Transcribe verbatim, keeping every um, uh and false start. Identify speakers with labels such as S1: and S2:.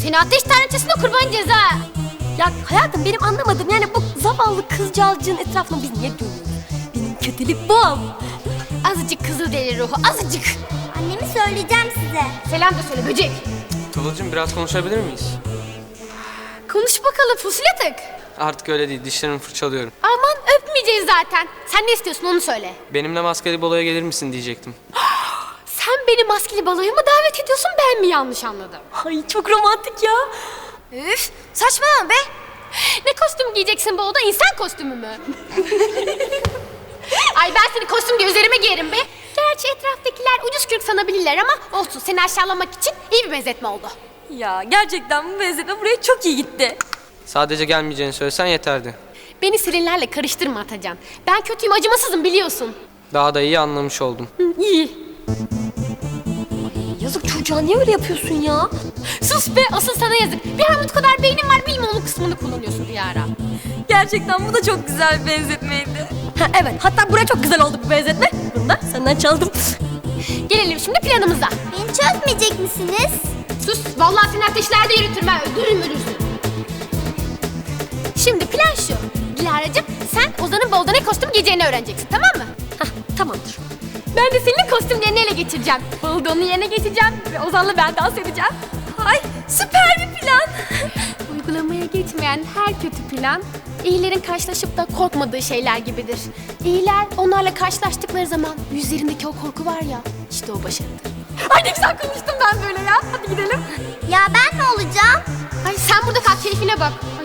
S1: Seni ateş tanrıçasına kurban ceza.
S2: Ya hayatım benim anlamadım yani bu zavallı kızcağızcığın etrafına biz niye dönüyoruz? Benim kötülük bu.
S1: Azıcık kızıl deli ruhu, azıcık.
S3: Annemi söyleyeceğim size.
S1: Selam da söyle böcek.
S4: Tuğulcuğum biraz konuşabilir miyiz?
S1: Konuş bakalım fusilyatık.
S4: Artık öyle değil, dişlerimi fırçalıyorum.
S1: Aman öpmeyeceğiz zaten. Sen ne istiyorsun onu söyle.
S4: Benimle maskeli baloya gelir misin diyecektim.
S1: Sen beni maskeli baloya mı davet ediyorsun, ben mi yanlış anladım?
S2: Ay çok romantik ya.
S1: Üf, saçmalama be. Ne kostüm giyeceksin bu oda, insan kostümü mü? Ay ben seni kostüm diye üzerime giyerim be. Gerçi etraftakiler ucuz kürk sanabilirler ama olsun, seni aşağılamak için iyi bir benzetme oldu.
S2: Ya gerçekten bu benzetme buraya çok iyi gitti.
S4: Sadece gelmeyeceğini söylesen yeterdi.
S1: Beni Selinlerle karıştırma Atacan. Ben kötüyüm, acımasızım biliyorsun.
S4: Daha da iyi anlamış oldum.
S1: Hı, iyi.
S2: Yazık çocuğa niye öyle yapıyorsun ya?
S1: Sus be, asıl sana yazık. Bir armut kadar beynin var, bilme onun kısmını kullanıyorsun Dilara.
S2: Gerçekten bu da çok güzel bir benzetmeydi. Ha, evet hatta buraya çok güzel oldu bu benzetme. Bunu da senden çaldım.
S1: Gelelim şimdi planımıza.
S3: Beni çözmeyecek misiniz?
S1: Sus, vallahi seni ateşlerde yürütürüm ha, öldürürüm ölürsün. Şimdi plan şu. Dilara'cığım sen Ozan'ın balda ne kostüm giyeceğini öğreneceksin, tamam mı?
S2: Hah tamamdır.
S1: Ben de senin kostümlerini ele geçireceğim. Balda onun yerine geçeceğim ve Ozan'la ben dans edeceğim.
S2: Ay süper bir plan.
S1: Uygulamaya geçmeyen her kötü plan, iyilerin karşılaşıp da korkmadığı şeyler gibidir. İyiler onlarla karşılaştıkları zaman yüzlerindeki o korku var ya, işte o başarıdır. Ay ne güzel konuştum ben böyle ya. Hadi gidelim.
S3: Ya ben ne olacağım?
S1: Ay sen burada kal, keyfine bak.